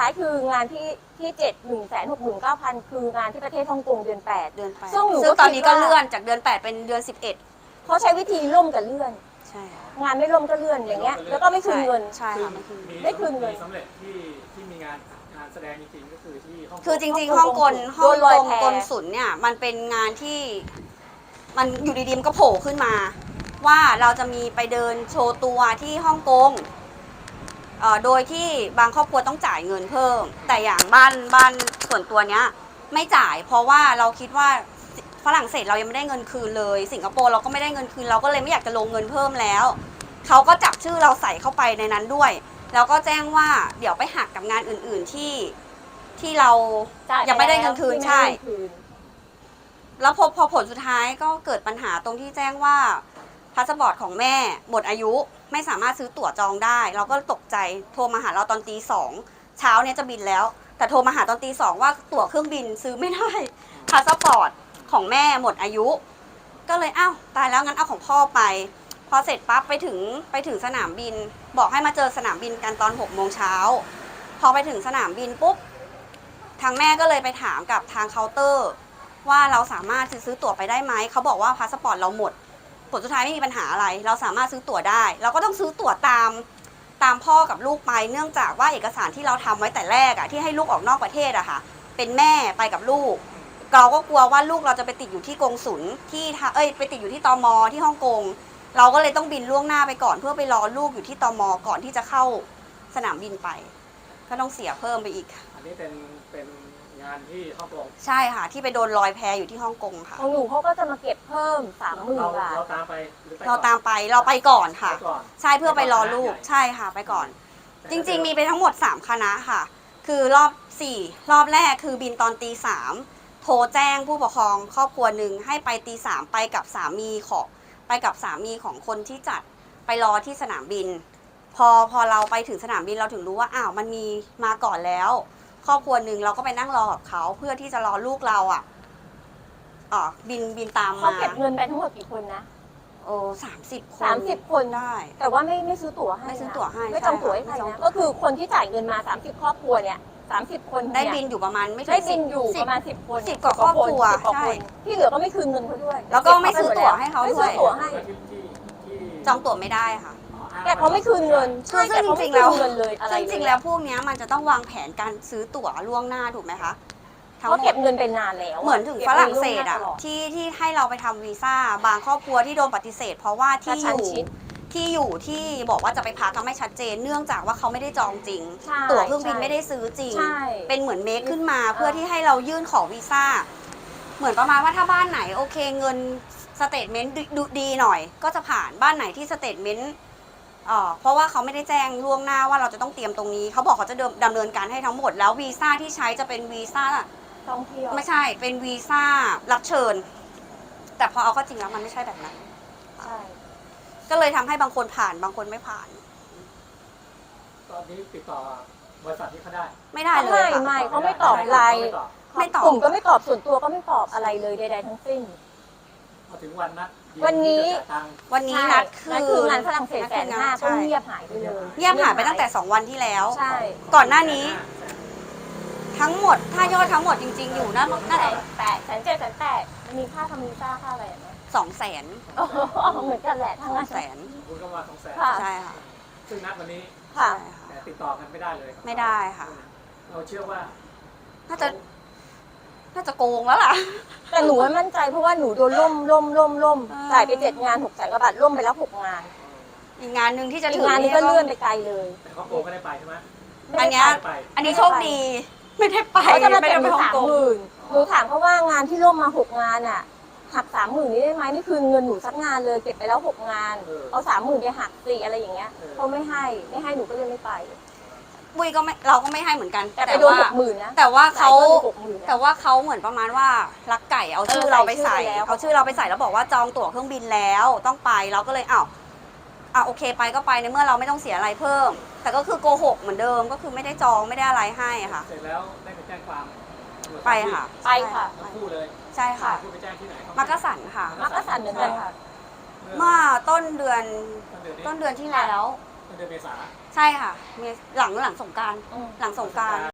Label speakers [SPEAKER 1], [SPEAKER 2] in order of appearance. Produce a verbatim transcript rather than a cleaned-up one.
[SPEAKER 1] ท้ายคืองานที่ที่เจ็ดหนึ่งแสนหกหมื่นเก้าพันคืองานที่ประเทศฮ่องกงเดือนแปด
[SPEAKER 2] เดือนแปด
[SPEAKER 1] ซึ่งหนู
[SPEAKER 2] ซึ่งตอนนี้ก็
[SPEAKER 1] คิดว่า
[SPEAKER 2] เลื่อนจากเดือนแปดเป็นเดือนสิบเอ็ด
[SPEAKER 1] เขาใช้วิธีล่มกับเลื่อน
[SPEAKER 2] ใช่ค่ะ
[SPEAKER 1] งานไม่ล่มก็เลื่อนอย่างเงี้ยแล้วก็ไม่คืนเงิน
[SPEAKER 2] ใช่ค่ะไม่คืน
[SPEAKER 1] ไม่คืนเงิน
[SPEAKER 3] มีสำเร็จที่ที่มีงานงานแสดงจริงๆก็คือที่ฮ่องกง
[SPEAKER 2] คือจริงๆฮ่องกงฮ่
[SPEAKER 1] โด
[SPEAKER 2] อง
[SPEAKER 1] นล
[SPEAKER 2] ก
[SPEAKER 1] อย
[SPEAKER 2] ง
[SPEAKER 1] แพ
[SPEAKER 2] กลสุลเนี่ยมันเป็นงานที่มันอยู่ดีๆมันก็โผล่ขึ้นมา ว่าเราจะมีไปเดินโชว์ตัวที่ฮ่องกงเอ่อโดยที่บางครอบครัวต้องจ่ายเงินเพิ่ม แต่อย่างบ้านบ้านส่วนตัวเนี้ยไม่จ่ายเพราะว่าเราคิดว่าฝรั่งเศสเรายังไม่ได้เงินคืนเลยสิงคโปร์เราก็ไม่ได้เงินคืนเราก็เลยไม่อยากจะลงเงินเพิ่มแล้วเขาก็จับชื่อเราใส่เข้าไปในนั้นด้วยแล้วก็แจ้งว่าเดี๋ยวไปหักกับงานอื่นๆที่ที่เรายังไม่ได้เงินคืนใช่ แล้วพอพอผลสุดท้ายก็เกิดปัญหาตรงที่แจ้งว่าพาสปอร์ตของแม่หมดอายุไม่สามารถซื้อตั๋วจองได้ เราก็ตกใจโทรมาหาเราตอนตีสองเช้าเนี่ยจะบินแล้ว แต่โทรมาหาตอนตีสองว่าตั๋วเครื่องบินซื้อไม่ได้พาสปอร์ตของแม่หมดอายุ ก็เลยอ้าวตายแล้วงั้นเอาของพ่อไป พอเสร็จปั๊บไปถึงไปถึงสนามบิน บอกให้มาเจอสนามบินกันตอนหกโมงเช้าพอไปถึงสนามบินปุ๊บทางแม่ก็เลยไปถามกับทางเคาน์เตอร์ว่าเราสามารถซื้อตั๋วไปได้ไหมเขาบอกว่าพาสปอร์ตเราหมดผลสุดท้ายไม่มีปัญหาอะไรเราสามารถซื้อตั๋วได้ เราก็ต้องซื้อตั๋วตามตามพ่อกับลูกไปเนื่องจากว่าเอกสารที่เราทำไว้แต่แรกอะที่ให้ลูกออกนอกประเทศอะค่ะเป็นแม่ไปกับลูกเราก็กลัวว่าลูกเราจะไปติดอยู่ที่กงสุลที่เอ้ยไปติดอยู่ที่ตม.ที่ฮ่องกงเราก็เลยต้องบินล่วงหน้าไปก่อนเพื่อไปรอลูกอยู่ที่ตม.ก่อนที่จะเข้าสนามบินไปก็ต้องเสียเพิ่มไปอีก
[SPEAKER 3] อันนี้เป็นเป็นงานที่ฮ่องกง
[SPEAKER 2] ใช่ค่ะที่ไปโดนลอยแพอยู่ที่ฮ่องกงค่ะ
[SPEAKER 1] ของหนูเขาก็จะมาเก็บเพิ่มสามหมื่น
[SPEAKER 3] เรา
[SPEAKER 1] บาท
[SPEAKER 3] เราตามไปหรือไป
[SPEAKER 2] เราตามไปเราไปก่อนค่ะ
[SPEAKER 3] ไปก่อน
[SPEAKER 2] ใช่เพื่อไปรอลูก
[SPEAKER 3] ไปก่อน
[SPEAKER 2] ใช่ค่ะไปก่อน จริงๆมีไปทั้งหมดสามคณะค่ะคือรอบสี่รอบแรกคือบินตอนตีสามโทรแจ้งผู้ปกครองครอบครัวหนึ่งให้ไปตีสามไปกับสามีของไปกับสามีของคนที่จัดไปรอที่สนามบิน พอพอเราไปถึงสนามบินเราถึงรู้ว่าอ้าวมันมีมาก่อนแล้วครอบครัวหนึ่งเราก็ไปนั่งรอกับเขาเพื่อที่จะรอลูกเราอ่ะอ๋อบินบินตาม
[SPEAKER 1] เขา
[SPEAKER 2] มา
[SPEAKER 1] เก็บเงินไปทั้งหมดกี่คนนะ
[SPEAKER 2] โอ้สามสิบคน
[SPEAKER 1] สามสิบคน
[SPEAKER 2] ได้
[SPEAKER 1] แต่ว่าไม่ไม่ซื้อตั๋วให้
[SPEAKER 2] ไม่ซื้อตั๋วให้
[SPEAKER 1] ไม่จองตั๋วให้ใคร
[SPEAKER 2] ใช่
[SPEAKER 1] นะ
[SPEAKER 2] ค่ะ
[SPEAKER 1] ก็คือคนที่จ่ายเงินมาสามสิบครอบครัวเนี่ยสามสิบคน
[SPEAKER 2] ได้
[SPEAKER 1] เย
[SPEAKER 2] บินอยู่ประมาณไม่ถึง
[SPEAKER 1] ได้บินอยู่
[SPEAKER 2] สิ
[SPEAKER 1] ประมาณสิบคน
[SPEAKER 2] สิบกว่าครอบครัว
[SPEAKER 1] สิบกว่า
[SPEAKER 2] ใช่
[SPEAKER 1] คนที่เหลือก็ไม่คืนเงินเขาด้วย
[SPEAKER 2] แล้วก็ไม่ซื้อตั๋วให้เขา
[SPEAKER 1] ไม่
[SPEAKER 2] ด้
[SPEAKER 1] ซื้
[SPEAKER 2] ว
[SPEAKER 1] อย ตั๋วให้
[SPEAKER 3] ที่ที่ที่
[SPEAKER 2] จองตั๋วไม่ได้ค่ะ
[SPEAKER 1] แต่เขาไม่คืนเงิน
[SPEAKER 2] คือซึ่ง
[SPEAKER 1] แต่เขา
[SPEAKER 2] จริ
[SPEAKER 1] ไม่
[SPEAKER 2] งๆแล้ว
[SPEAKER 1] คืนเงินเลยอะไร
[SPEAKER 2] จริงๆแล้วพวกเนี้ยมันจะต้องวางแผนการซื้อตั๋วล่วงหน้าถูกไหมคะทั้งห
[SPEAKER 1] เขา
[SPEAKER 2] ม
[SPEAKER 1] เก็
[SPEAKER 2] ด
[SPEAKER 1] บเงินเป็นนานแล้ว
[SPEAKER 2] เหมือนถึงฝรั่งเศสอ่ะ
[SPEAKER 1] ก็บงินล่วงหน้าตลด
[SPEAKER 2] ที่ที่ให้เราไปทำวีซ่าบางครอบครัวที่โดนปฏิเสธ เพราะว่าที่
[SPEAKER 1] กระชั้
[SPEAKER 2] อน ยู่
[SPEAKER 1] ชิด
[SPEAKER 2] ที่อยู่ที่บอกว่าจะไปพักก็ไม่ชัดเจน เนื่องจากว่าเขาไม่ได้จองจริง
[SPEAKER 1] ใช่
[SPEAKER 2] ตั๋วเครื่องบิน
[SPEAKER 1] ใช่
[SPEAKER 2] ไม่ได้ซื้อจริง
[SPEAKER 1] ใช่
[SPEAKER 2] เป็นเหมือนเมคขึ้นมา
[SPEAKER 1] เออ
[SPEAKER 2] เพื่อที่ให้เรายื่นขอวีซ่าเหมือนประมาณว่าถ้าบ้านไหนโอเคเงินสเตทเมนต์ดูดีหน่อย ก็จะผ่านบ้านไหนที่สเตทเมนต์เอ่อเพราะว่าเขาไม่ได้แจ้งล่วงหน้าว่าเราจะต้องเตรียมตรงนี้เขาบอกเขาจะดำเนินการให้ทั้งหมดแล้ววีซ่าที่ใช้จะเป็นวีซ่า
[SPEAKER 1] ท่องเที่ยว
[SPEAKER 2] ไม่ใช่เป็นวีซ่ารับเชิญ แต่พอเอาเข้าจริงแล้วมันไม่ใช่แบบนั้น
[SPEAKER 1] ใช่
[SPEAKER 2] ก็เลยทำให้บางคนผ่านบางคนไม่ผ่าน
[SPEAKER 3] ตอนนี้ติดต่อบริษัทที่เขาได้
[SPEAKER 2] ไม่ได้เลย
[SPEAKER 1] ไม่
[SPEAKER 2] ค่ะ
[SPEAKER 1] ไม่เขาไม่ตอบไลน์
[SPEAKER 2] ไม่ตอบ
[SPEAKER 1] กลุ่มก็ไม่ตอบส่วนตัวก็ไม่ตอบอะไรเลยใดๆทั้งสิ้น
[SPEAKER 3] พอถึงวันนัด
[SPEAKER 1] วันนี้
[SPEAKER 3] ที่จะจ่ายตังค์
[SPEAKER 2] วันนี้นัดคื
[SPEAKER 1] นั่น
[SPEAKER 2] อ
[SPEAKER 1] คืองานฝรั่งเศส
[SPEAKER 2] นัด
[SPEAKER 1] แส
[SPEAKER 2] คื
[SPEAKER 1] น
[SPEAKER 2] อง
[SPEAKER 1] ห้าก็
[SPEAKER 2] ใช่
[SPEAKER 1] เงียบหายไปเลย
[SPEAKER 2] เงียบหายไปตั้งแต่สองวันที่แล้ว
[SPEAKER 1] ใช่
[SPEAKER 2] ก่อนหน้านี้ ทั้งหมดถ้ายอดทั้งหมดจริง ๆ อยู่น่าน่าจะ
[SPEAKER 1] แปดแสนเจ็ดแสนแปดมันมีค่าทำวีซ่าค่าอะไรไหม
[SPEAKER 2] สองแสน
[SPEAKER 1] เหมือนกันแหละทั้ง
[SPEAKER 2] ส
[SPEAKER 1] นั้
[SPEAKER 2] อน งแสน
[SPEAKER 3] คุณก็มาสองแสน
[SPEAKER 1] ค่ะ
[SPEAKER 2] ใช่ค่ะ
[SPEAKER 3] ซึ่งนัดวันนี้
[SPEAKER 1] ค่ะ
[SPEAKER 2] ใช่ค่ะ
[SPEAKER 3] แต่ติดต่อกันไม่ได้เลยครับ
[SPEAKER 2] ไม่ได้ค่ะ
[SPEAKER 3] เราเชื่อว่า
[SPEAKER 2] น่าจะน่าจะโกงแล้วล่ะ
[SPEAKER 1] แต่หนูไม่มั่นใจเพราะว่าหนูโดนล่มล่มล่มล่ม
[SPEAKER 2] อ่า
[SPEAKER 1] จ่ายไปเจ็ดงานหกแสนกว่าบาทล่มไปแล้วหกงาน
[SPEAKER 2] อีกงานหนึ่งที่จะ
[SPEAKER 1] อี
[SPEAKER 2] ถึ
[SPEAKER 1] ก
[SPEAKER 2] ง
[SPEAKER 1] งานนี้ก็เลื่อนไปไกลเลย
[SPEAKER 3] แต่เขาโกงไม่ได้ไปใช่ไหม
[SPEAKER 2] อันเนี้ย
[SPEAKER 3] ไม่ได้ไป
[SPEAKER 2] อันนี้โชคดีไม่ได้ไป
[SPEAKER 1] เขาจะมา
[SPEAKER 2] ไม่
[SPEAKER 1] เก็บ
[SPEAKER 2] ได้
[SPEAKER 1] ห
[SPEAKER 2] ไป
[SPEAKER 1] นู
[SPEAKER 2] ฮ่อง
[SPEAKER 1] สาม
[SPEAKER 2] กง
[SPEAKER 1] หมื่นหนูถามเขาว่างานที่ล่มมาหกงานอ่ะหักสามหมื่นนี้ได้ไหมไม่คืนเงินหนูสักงานเลยเก็บไปแล้วหกงาน เอาสามหมื่นไปหักสี่อะไรอย่างเงี้ยเขาไม่ให้ไม่ให้หนูก็เลยไม่ไป
[SPEAKER 2] บุยก็ไม่เราก็ไม่ให้เหมือนกัน
[SPEAKER 1] แต่ไปโดนหกหมื่นนะ
[SPEAKER 2] แต่ว่าเขา
[SPEAKER 1] จ่ยพิ่มอีกหกหมื่นนะ
[SPEAKER 2] แต่ว่าเขาเหมือนประมาณว่ารักไก่เอาชื่อ
[SPEAKER 1] เออ
[SPEAKER 2] เราไปใส่
[SPEAKER 1] ใส่ชื่อไปแล้ว
[SPEAKER 2] เอาชื่อเราไปใส่แล้วบอกว่าจองตั๋วเครื่องบินแล้วต้องไปเราก็เลยอ้าวอ่ะโอเคไปก็ไปในเมื่อเราไม่ต้องเสียอะไรเพิ่ม แต่ก็คือโกหกเหมือนเดิมก็คือไม่ได้จองไม่ได้อะไรให้ค่ะ
[SPEAKER 3] เสร็จแล้วได้ไปแจ้งความ
[SPEAKER 2] ไปค่ะ
[SPEAKER 1] ไปค่ะ
[SPEAKER 3] ทั้งคู่เลย
[SPEAKER 2] ใช่ค่ะ
[SPEAKER 3] คู่ไปแจ้งที่ไหนครับ
[SPEAKER 2] มักกะสันค่ะ
[SPEAKER 1] มักกะสันเหมือนกันค่ะ
[SPEAKER 2] เมื่อต้นเดือน
[SPEAKER 3] ต้นเดือนนี้
[SPEAKER 2] ต้นเดือนที่แล้ว
[SPEAKER 3] ต้นเดือนเมษา
[SPEAKER 2] ใช่ค่ะมีหลังหลังสงกรานต์
[SPEAKER 1] อืม
[SPEAKER 2] หลังสงกรานต์